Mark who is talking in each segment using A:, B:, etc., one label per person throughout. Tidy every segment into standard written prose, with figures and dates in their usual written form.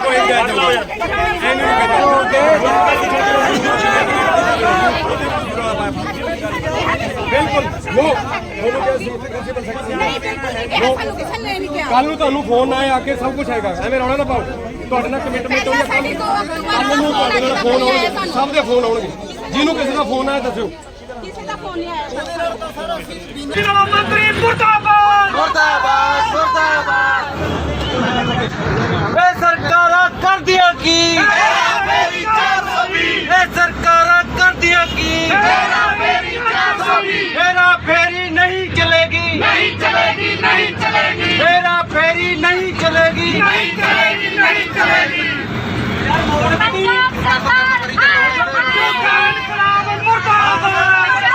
A: ਕੋਈ ਨਹੀਂ ਜਾਊਗਾ ਇਹਨੂੰ ਬਿਲਕੁਲ ਕੱਲ ਨੂੰ ਤੁਹਾਨੂੰ ਫੋਨ ਆਏ ਆ ਕੇ ਸਭ ਕੁਝ ਹੈਗਾ ਐਵੇਂ ਰੌਲਾ ਨਾ ਪਾਓ ਤੁਹਾਡੇ ਨਾਲ ਕਮਿਟਮੈਂਟ ਹੋਈ ਕੱਲ ਨੂੰ ਤੁਹਾਡੇ ਨਾਲ ਫੋਨ ਆਉਣਗੇ ਸਭ ਦੇ ਫੋਨ ਆਉਣਗੇ ਜਿਹਨੂੰ ਕਿਸੇ ਦਾ ਫੋਨ ਆਇਆ ਦੱਸਿਓ
B: ਮੰਤਰੀ ਮੁਰਦਾਬਾਦ ਮੁਰਦਾਬਾਦ ਮੁਰਦਾਬਾਦ ਇਹ ਸਰਕਾਰਾਂ ਕਰਦੀਆਂ ਕੀ ਮੇਰੀ 420 ਇਹ ਸਰਕਾਰਾਂ ਕਰਦੀਆਂ ਕੀ ਮੇਰੀ 420 ਮੇਰਾ ਫੇਰੀ ਨਹੀਂ ਚਲੇਗੀ ਨਹੀਂ ਚਲੇਗੀ ਨਹੀਂ ਚਲੇਗੀ ਮੇਰਾ ਫੇਰੀ ਨਹੀਂ ਚਲੇਗੀ ਨਹੀਂ ਚਲੇਗੀ ਨਹੀਂ ਚਲੇਗੀ ਪੰਜਾਬ ਸਰਕਾਰ ਇਨਕਲਾਬ ਮੁਰਦਾਬਾਦ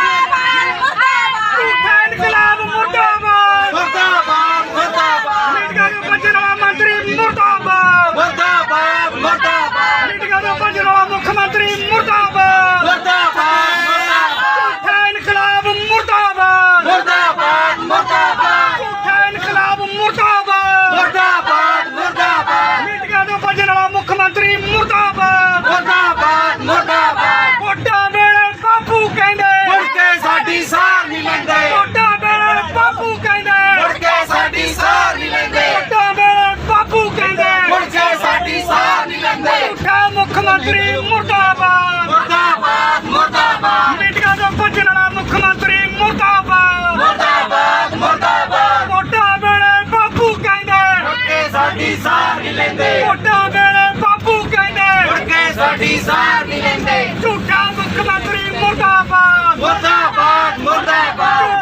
B: इनकलाब मुर्दाबाद मुर्दाबाद मुर्दाबाद मीडिया के पंचनामा मंत्री मुर्दाबाद मुर्दाबाद मुर्दाबाद मीडिया के पंचनामा मुख्यमंत्री मुर्दाबाद मुर्दाबाद मुर्दाबाद इनकलाब मुर्दाबाद मुर्दाबाद मुर्दाबाद इनकलाब मुर्दाबाद मुर्दाबाद मुर्दाबाद मीडिया के पंचनामा मुख्यमंत्री मुर्दाबाद मुर्दाबाद मुर्दाबाद वोटां वेले बापू कहंदे मुड़ के साडी सार नहीं लैंदे बापू कहंदे मुड़ के साडी सार नहीं लैंदे बापू कहंदे मुड़ के साडी सार नहीं लैंदे उठा मुख्यमंत्री मुर्दाबाद मुर्दाबाद मुर्दाबाद मीडिया दा भजन वाला मुख्यमंत्री मुर्दाबाद मुर्दाबाद मुर्दाबाद वोटां वेले बापू कहंदे मुड़ के साडी सार नहीं लैंदे वोटां वेले बापू कहंदे मुड़ के साडी सार नहीं लैंदे झूठा मुख्यमंत्री मुर्दाबाद मुर्दाबाद मुर्दाबाद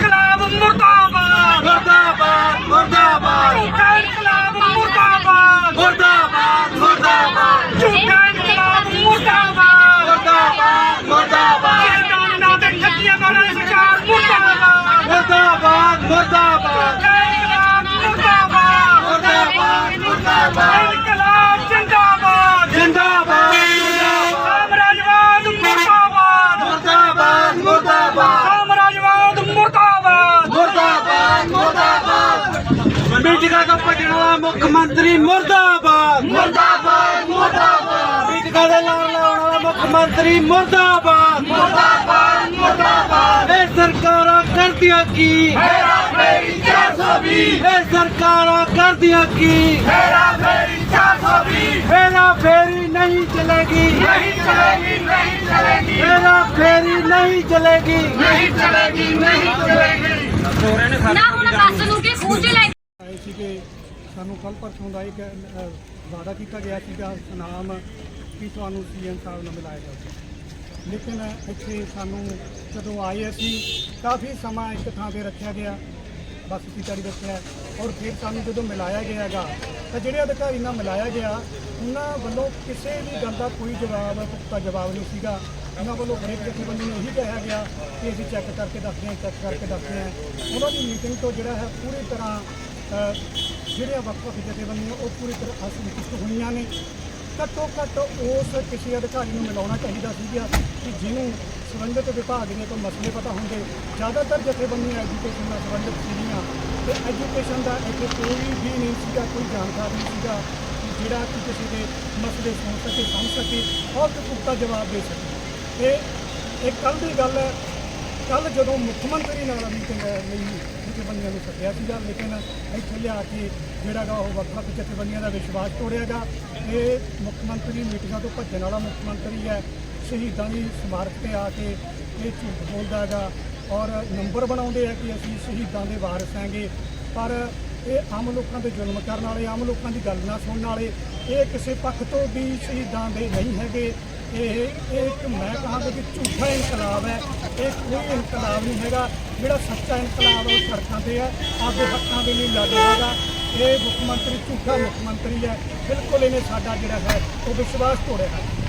B: मुर्दाबाद मुर्दाबाद मुर्दाबाद झूठा इनकलाब मुर्दाबाद मुर्दाबाद मुर्दाबाद झूठा इनकलाब मुर्दाबाद मुर्दाबाद मुर्दाबाद सरकार ना दे ठगियां वाला सरकार मुर्दाबाद मुर्दाबाद मुर्दाबाद इनकलाब मुर्दाबाद मुर्दाबाद मुर्दाबाद इनकलाब जिंदाबाद जिंदाबाद साम्राज्यवाद मुर्दाबाद मुर्दाबाद मुर्दाबाद साम्राज्यवाद मुर्दाबाद मुर्दाबाद मुर्दाबाद मीडिया का पटना मुख्यमंत्री मुर्दाबाद मुर्दाबाद मुर्दाबाद मीडिया का लाला मुख्यमंत्री मुर्दाबाद मुर्दाबाद मुर्दाबाद ये सरकारां करदियां की मेरा फेरी 420 ये सरकारां करदियां की मेरा फेरी 420 मेरा फेरी नहीं चलेगी नहीं चलेगी नहीं चलेगी मेरा फेरी नहीं चलेगी नहीं चलेगी नहीं चलेगी ना ਹੁਣ ਬੱਸ ਨੂੰ ਕਿ ਖੂਜ ਲੈ ਆਏ ਸੀ ਕਿ ਸਾਨੂੰ ਕੱਲ ਪਰਸੋਂ ਦਾ ਇੱਕ ਵਾਅਦਾ ਕੀਤਾ ਗਿਆ ਸੀਗਾ ਸੁਨਾਮ ਕਿ ਤੁਹਾਨੂੰ ਸੀਐਮ ਸਾਹਿਬ ਨਾਲ ਮਿਲਾਇਆ ਜਾਊਗਾ ਲੇਕਿਨ ਇੱਥੇ ਸਾਨੂੰ ਜਦੋਂ ਆਏ ਅਸੀਂ ਕਾਫੀ ਸਮਾਂ ਇੱਕ ਥਾਂ 'ਤੇ ਰੱਖਿਆ ਗਿਆ ਬੱਸ ਸੀਟਾਂ ਰੱਖਿਆ ਔਰ ਫਿਰ ਸਾਨੂੰ ਜਦੋਂ ਮਿਲਾਇਆ ਗਿਆ ਹੈਗਾ ਤਾਂ ਜਿਹੜੇ ਅਧਿਕਾਰੀ ਨਾਲ ਮਿਲਾਇਆ ਗਿਆ ਉਹਨਾਂ ਵੱਲੋਂ ਕਿਸੇ ਵੀ ਗੱਲ ਦਾ ਕੋਈ ਪੁਖਤਾ ਜਵਾਬ ਨਹੀਂ ਸੀਗਾ ਉਹਨਾਂ ਵੱਲੋਂ ਹਰੇਕ ਜਥੇਬੰਦੀ ਨੂੰ ਇਹੀ ਕਿਹਾ ਗਿਆ ਕਿ ਅਸੀਂ ਚੈੱਕ ਕਰਕੇ ਦੱਸਦੇ ਹਾਂ ਚੈੱਕ ਕਰਕੇ ਦੱਸਦੇ ਹਾਂ ਉਹਨਾਂ ਦੀ ਮੀਟਿੰਗ ਤੋਂ ਜਿਹੜਾ ਹੈ ਪੂਰੀ ਤਰ੍ਹਾਂ ਜਿਹੜੀਆਂ ਵੱਖ-ਵੱਖ ਜਥੇਬੰਦੀਆਂ ਉਹ ਪੂਰੀ ਤਰ੍ਹਾਂ ਅਸੰਤੁਸ਼ਟ ਹੋਈਆਂ ਨੇ ਘੱਟੋ ਘੱਟ ਉਸ ਕਿਸੇ ਅਧਿਕਾਰੀ ਨੂੰ ਮਿਲਾਉਣਾ ਚਾਹੀਦਾ ਸੀਗਾ ਕਿ ਜਿਹਨੂੰ ਸੰਬੰਧਿਤ ਵਿਭਾਗ ਦੇ ਕੋਈ ਮਸਲੇ ਪਤਾ ਹੁੰਦੇ ਜ਼ਿਆਦਾਤਰ ਜਥੇਬੰਦੀਆਂ ਐਜੂਕੇਸ਼ਨ ਨਾਲ ਸੰਬੰਧਿਤ ਸੀਗੀਆਂ ਤੇ ਐਜੂਕੇਸ਼ਨ ਦਾ ਇੱਥੇ ਕੋਈ ਵੀ ਨਹੀਂ ਸੀਗਾ ਕੋਈ ਜਾਣਕਾਰ ਨਹੀਂ ਸੀਗਾ ਜਿਹੜਾ ਕਿ ਕਿਸੇ ਦੇ ਮਸਲੇ ਸੁਣ ਸਕੇ ਸਮਝ ਸਕੇ ਔਰ ਪੁਖਤਾ ਜਵਾਬ ਦੇ ਸਕੇ ਇਹ ਕੱਲ੍ਹ ਦੀ ਗੱਲ ਹੈ ਕੱਲ੍ਹ ਜਦੋਂ ਮੁੱਖ ਮੰਤਰੀ ਨਾਲ ਮੀਟਿੰਗ ਲਈ ਜਥੇਬੰਦੀਆਂ ਨੂੰ ਸੱਦਿਆ ਸੀਗਾ ਲੇਕਿਨ ਇੱਥੇ ਲਿਆ ਕੇ ਜਿਹੜਾ ਗਾ ਉਹ ਵੱਖ-ਵੱਖ ਜਥੇਬੰਦੀਆਂ ਦਾ ਵਿਸ਼ਵਾਸ ਤੋੜਿਆਗਾ ਇਹ ਮੁੱਖ ਮੰਤਰੀ ਮੀਟਿੰਗਾਂ ਤੋਂ ਭੱਜਣ ਵਾਲਾ ਮੁੱਖ ਮੰਤਰੀ ਹੈ ਸ਼ਹੀਦਾਂ ਦੀ ਸਮਾਰਕ 'ਤੇ ਆ ਕੇ ਇਹ ਝੂਠ ਬੋਲਦਾ ਹੈਗਾ ਔਰ ਨੰਬਰ ਬਣਾਉਂਦੇ ਆ ਕਿ ਅਸੀਂ ਸ਼ਹੀਦਾਂ ਦੇ ਵਾਰਿਸ ਹੈਗੇ ਪਰ ਇਹ ਆਮ ਲੋਕਾਂ ਦੇ ਜ਼ੁਲਮ ਕਰਨ ਵਾਲੇ ਆਮ ਲੋਕਾਂ ਦੀ ਗੱਲ ਨਾ ਸੁਣਨ ਵਾਲੇ ਇਹ ਕਿਸੇ ਪੱਖ ਤੋਂ ਵੀ ਸ਼ਹੀਦਾਂ ਦੇ ਨਹੀਂ ਹੈਗੇ ਇਹ ਇੱਕ ਮੈਂ ਕਹਾਂਗਾ ਕਿ ਝੂਠਾ ਇਨਕਲਾਬ ਹੈ ਇਹ ਕੋਈ ਇਨਕਲਾਬ ਨਹੀਂ ਹੈਗਾ ਜਿਹੜਾ ਸੱਚਾ ਇਨਕਲਾਬ ਉਹ ਸੜਕਾਂ 'ਤੇ ਹੈ ਆਪਦੇ ਹੱਕਾਂ ਦੇ ਲਈ ਲੜ ਰਿਹਾ ਹੈਗਾ ਇਹ ਮੁੱਖ ਮੰਤਰੀ ਝੂਠਾ ਮੁੱਖ ਮੰਤਰੀ ਹੈ ਬਿਲਕੁਲ ਇਹਨੇ ਸਾਡਾ ਜਿਹੜਾ ਹੈ ਉਹ ਵਿਸ਼ਵਾਸ ਤੋੜਿਆ ਹੈ।